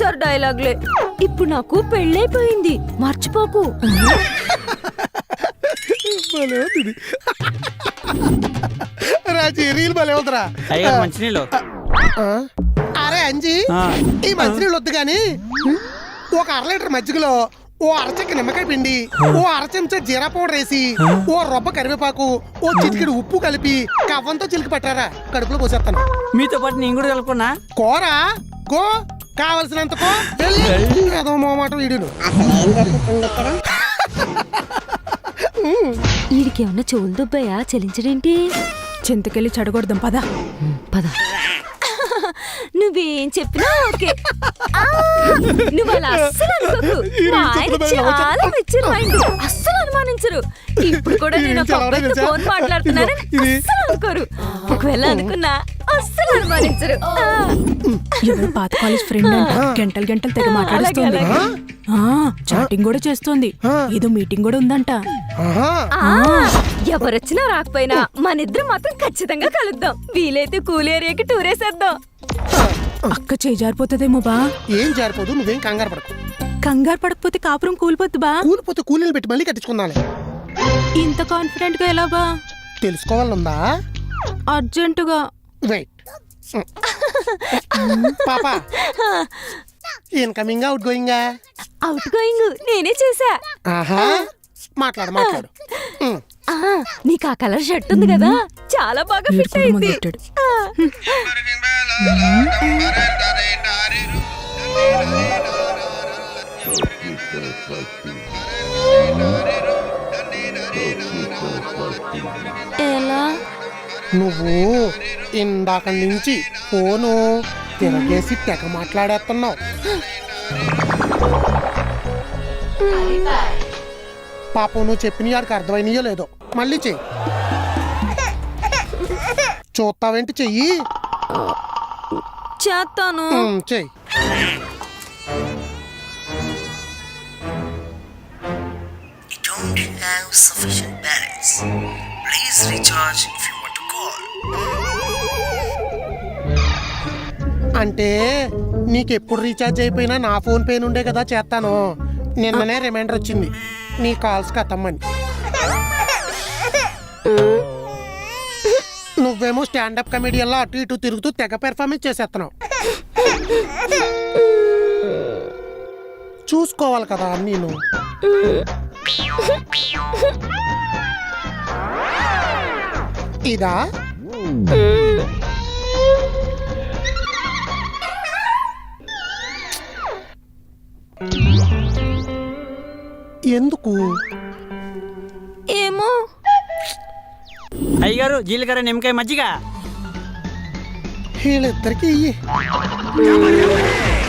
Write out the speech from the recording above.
ప్రతిసారి డైలాగ్లే. ఇప్పుడు నాకు పెళ్ళైపోయింది, మర్చిపోకు. రాజీ రీల్ భలే అవుతురా. మంచినీళ్ళు. అరే అంజీ, ఈ మంచినీళ్ళు వద్దు గాని ఒక 1/2 లీటర్ మజ్జిగలో ఓ అరచెక్క నిమ్మకాయ పిండి, ఓ అరచెంచా జీరా పౌడర్ వేసి, ఓ రొబ్బ కరివేపాకు, ఓ చిటికెడు ఉప్పు కలిపి కవ్వంతో చిలికి పట్టారా, కడుపులో పోసేస్తాను. మీతో పాటు నేను కూడా కలుపుకున్నా. కూర గో, కావలసినంత కో. ఏదో మాట వీడును. వీడికేమన్నా చెవులు దుబ్బాయా? చెల్లించడేంటి? చింతకెళ్ళి చెడగొడదాం పద. పద. నువ్వేం చెప్పినా ఓకే. నువ్వు అలా అస్సలు అనుకోకు. మా ఆయన చాలా మెచ్యూర్ మైండ్, అస్సలు అనుమానించరు. ఇప్పుడు కూడా నేను ఒక అబ్బాయితో ఫోన్ మాట్లాడుతున్నానని అస్సలు అనుకోరు. ఒకవేళ అనుకున్నా అస్సలు అనుమానించరు. ఎవరు పాత కాలేజ్ ఫ్రెండ్ అంట, గంటలు గంటలు తెగ మాట్లాడుతుంది. చాటింగ్ కూడా చేస్తుంది, ఏదో మీటింగ్ కూడా ఉందంట. ఎవరొచ్చినా రాకపోయినా మనిద్దరం మాత్రం ఖచ్చితంగా కలుద్దాం. వీలైతే కూల్ ఏరియాకి టూర్ వేసేద్దాం. అక్క చేజారిపోతుందేమో బా. ఏం జారిపోదు, నువ్వేం కంగారు పడకు. కంగారు పడకపోతే కాపురం కూలిపోద్దు బా. కూలిపోతే కూలీలు పెట్టి మళ్ళీ కట్టించుకుందాలే. ఇంత కాన్ఫిడెంట్ గా ఎలా బా? తెలుసుకోవాలనుందా? అర్జెంటుగా. వెయిట్. పాపా, incoming outgoing? Outgoing నేనే చేసా. ఆహా, మాట్లాడు మాట్లాడు. నీకు ఆ కలర్ షర్ట్ ఉంది కదా, చాలా బాగా ఫిట్ అయింది. ఎలా? నువ్వు ఇందాక నుంచి ఫోను తిరగేసి తెగ మాట్లాడేస్తున్నావు. పాపం నువ్వు చెప్పిన వాడికి అర్థమైనయో లేదో, మళ్ళీ చెయ్యి. చూస్తావేంటి, చెయ్యి. చేస్తాను. చెయ్యి. Don't have sufficient balance. Please recharge if you want to call. అంటే నీకెప్పుడు రీఛార్జ్ అయిపోయినా నా ఫోన్ పే నుండే కదా చేస్తాను. నిన్ననే రిమైండర్ వచ్చింది నీ కాల్స్ కథమ్మని. నువ్వేమో స్టాండప్ కమెడియన్లో అటు ఇటు తిరుగుతూ తెగ పెర్ఫార్మెన్స్ చేసేస్తున్నావు. చూసుకోవాలి కదా నేను. ఇదా? ఎందుకు? ఏమో. అయ్యగారు, జీలకర్ర నిమ్మకాయ మజ్జిగ. వీళ్ళిద్దరికి